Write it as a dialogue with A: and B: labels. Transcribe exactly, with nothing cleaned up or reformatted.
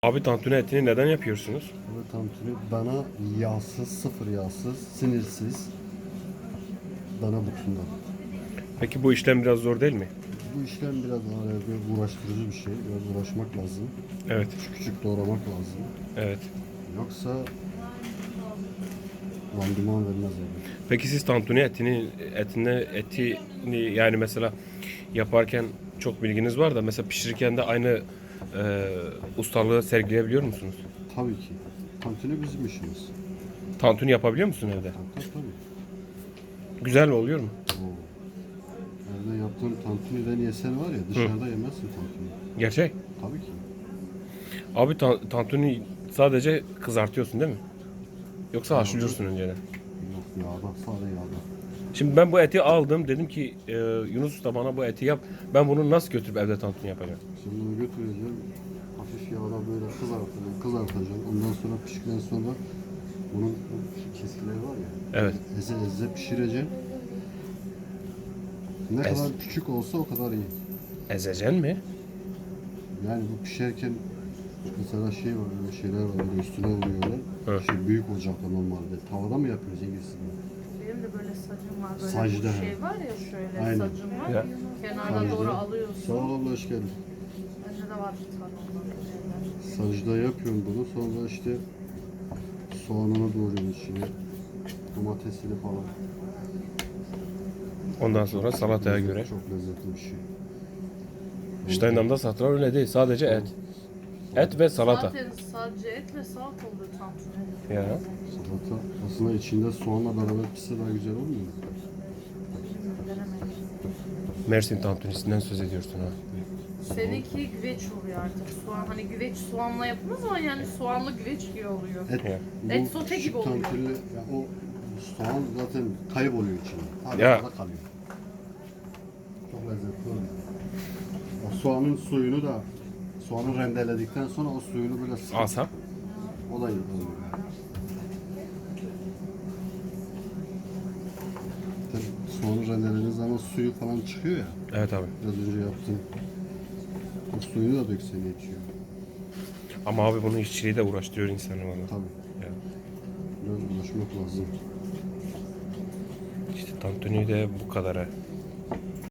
A: Abi tantuni etini neden yapıyorsunuz?
B: Bu tantuni dana yağsız, sıfır yağsız, sinirsiz dana butundan.
A: Peki bu işlem biraz zor değil mi?
B: Bu işlem biraz daha bir uğraştırıcı bir şey. Biraz uğraşmak lazım.
A: Evet.
B: Küçük küçük doğramak lazım.
A: Evet.
B: Yoksa randıman vermez yani.
A: Peki siz tantuni etini etine etini yani mesela yaparken çok bilginiz var da mesela pişirirken de aynı e, ustalığı sergileyebiliyor musunuz?
B: Tabii ki. Tantuni bizim işimiz.
A: Tantuni yapabiliyor musun evde?
B: Tabii tabii.
A: Güzel oluyor mu?
B: Oo. Evde yaptığın tantuniden yesen var ya dışarıda yemezsin tantuni.
A: Gerçek.
B: Tabii ki.
A: Abi ta- tantuni sadece kızartıyorsun değil mi? Yoksa
B: Yağda-
A: haşlıyorsun önceden.
B: Yok yağda, sade yağda.
A: Şimdi ben bu eti aldım. Dedim ki e, Yunus Usta bana bu eti yap. Ben bunu nasıl götürüp evde tantuni yapacağım?
B: Şimdi bunu götüreceğim. Hafif yağda böyle kızartacağım, kızartacağım. Ondan sonra piştikten sonra bunun bu keskileri var ya.
A: Evet.
B: Eze eze pişireceğim. Ne
A: Ez.
B: kadar küçük olsa o kadar iyi.
A: Ezeceksin mi?
B: Yani bu pişerken mesela şey var, öyle şeyler var, böyle üstüne vuruyorlar.
A: Evet.
B: Şey büyük ocakta normalde. Tavada mı yapıyoruz İngilizce?
C: Benim de böyle sacım var. Böyle
B: Sacda.
C: bu şey var ya şöyle
B: Aynen.
C: sacım var.
A: Ya.
C: Kenardan
B: Sacda.
C: doğru alıyorsun.
B: Sağ ol abla, hoş geldin.
C: Bende de var bir tane ondan.
B: Sacda yapıyorum bunu. Sonra işte soğanını doğruyorum içine. Domatesini falan.
A: Ondan sonra salataya
B: Lezzet-
A: göre.
B: Çok lezzetli bir şey.
A: Steinam'da satılan öyle değil. Sadece et. Et ve salata.
C: Zaten sadece et ve salata oluyor tantuni.
A: Ya.
B: Salata aslında içinde soğanla beraber pişse daha güzel olmuyor mu?
C: Bilmiyorum, denemedim.
A: Mersin tantunisinden söz ediyorsun ha.
C: Seninki güveç oluyor artık. Soğan hani güveç soğanla yapılmaz ama yani soğanlı güveç gibi oluyor.
B: Et,
A: Ya.
B: bu
C: Et sote
B: küçük
C: gibi oluyor.
B: tantuni, ya o soğan zaten kayboluyor içinde. Hala
A: Ya.
B: ya. kalıyor. Çok lezzetli oluyor. O soğanın suyunu da soğanı rendeledikten sonra o suyunu böyle sıkıp
A: Alsam.
B: o da iyi oluyor. Zaten soğanı rendelediğiniz zaman suyu falan çıkıyor ya.
A: Evet abi.
B: Biraz önce yaptım. O suyunu da döksen yetiyor.
A: Ama abi bunun işçiliği de uğraştırıyor insanı valla.
B: Tabii.
A: Ya.
B: Biraz uğraşmak lazım.
A: İşte tantuni de bu kadar ha.